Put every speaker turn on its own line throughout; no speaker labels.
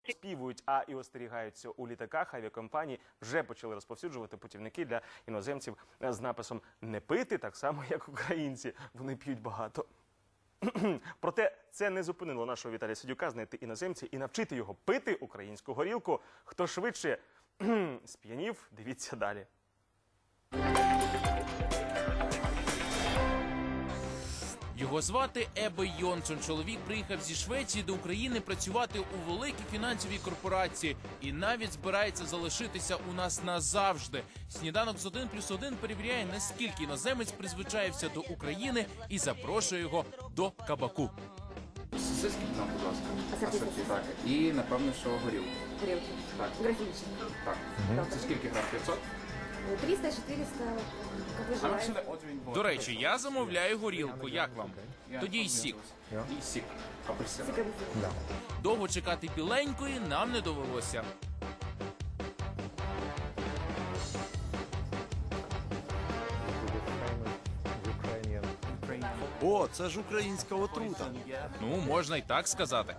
співують, а і остерігаються у літаках. Авіакомпанії вже почали розповсюджувати путівники для іноземців з написом «Не пити», так само, як українці. Вони п'ють багато. Проте це не зупинило нашого Віталія Сидюка знайти іноземця і навчити його пити українську горілку. Хто швидше сп'янів, дивіться далі.
Його звати Ебе Йонсон. Чоловік приїхав зі Швеції до України працювати у великій фінансовій корпорації і навіть збирається залишитися у нас назавжди. Сніданок з 1+1 перевіряє, наскільки іноземець призвичаєвся до України і запрошує його до кабаку.
Сосиски нам, будь ласка. Асорті, так. І, напевно, що горілку.
Горілки.
Так.
Графінічні.
Так. Це скільки грам? 500?
300, 400, як ви желаєте.
До речі, я замовляю горілку. Як вам? Тоді й сік.
І сік. Апельсин.
Довго чекати біленької нам не довелося.
О, це ж українська отрута.
Ну, можна й так сказати.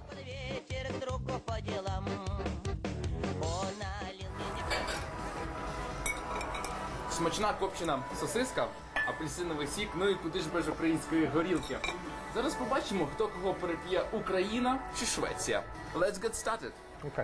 Смачна копчена сосиска, апельсиновий сік, ну і куди ж без української горілки. Зараз побачимо, хто кого переп'є, Україна чи Швеція. Let's get started.
Okay.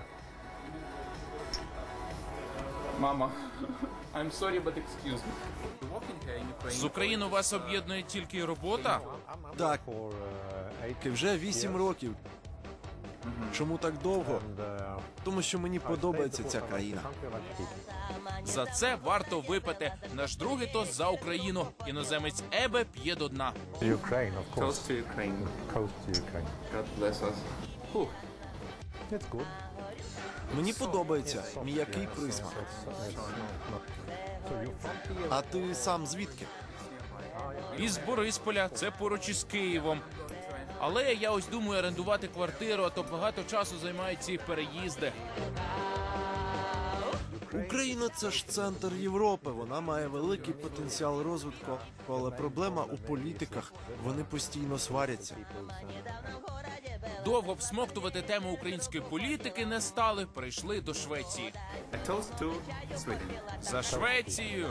Мама, I'm sorry, but excuse me.
З Україною вас об'єднує тільки робота?
Так, і вже 8 років. Чому так довго? Тому що мені подобається ця країна.
За це варто випити. Наш другий тост за Україну. Іноземець Ебе п'є до дна.
Ukraine, of course.
Toast to Ukraine.
Coast to Ukraine.
God bless us. Фух.
It's good.
Мені подобається м'який присмак. А ти сам звідки?
Із Борисполя, це поруч із Києвом. Але я ось думаю орендувати квартиру, а то багато часу займають ці переїзди.
Україна – це ж центр Європи. Вона має великий потенціал розвитку, але проблема у політиках. Вони постійно сваряться.
Довго всмоктувати тему української політики не стали, прийшли до Швеції.
A toast to Sweden.
За Швецію!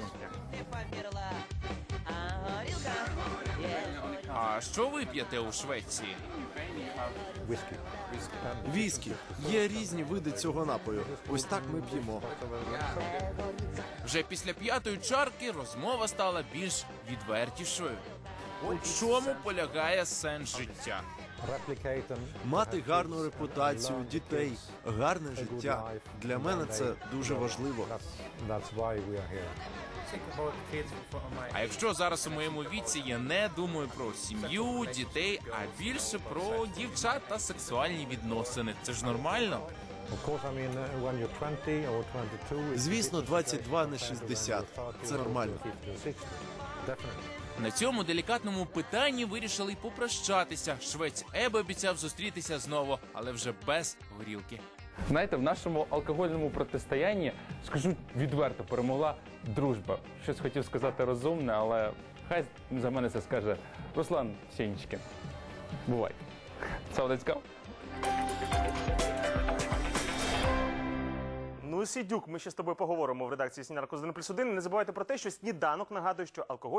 А що ви п'єте у Швеції?
Віскі. Є різні види цього напою. Ось так ми п'ємо.
Вже після 5-ї чарки розмова стала більш відвертішою. У чому полягає сенс життя?
Мати гарну репутацію, дітей, гарне життя. Для мене це дуже важливо.
А якщо зараз у моєму віці я не думаю про сім'ю, дітей, а більше про дівчат та сексуальні відносини. Це ж нормально?
Звісно, 22 на 60. Це нормально.
На цьому делікатному питанні вирішили й попрощатися. Швець Ебе обіцяв зустрітися знову, але вже без горілки.
Знаєте, в нашому алкогольному протистоянні, скажу відверто, перемогла дружба. Щось хотів сказати розумне, але хай за мене це скаже Руслан Сєнічкін. Бувай. So, let's go.
Ну, Сидюк, ми ще з тобою поговоримо в редакції «Сніданку з 1+1». Не забувайте про те, що сніданок нагадує, що алкоголь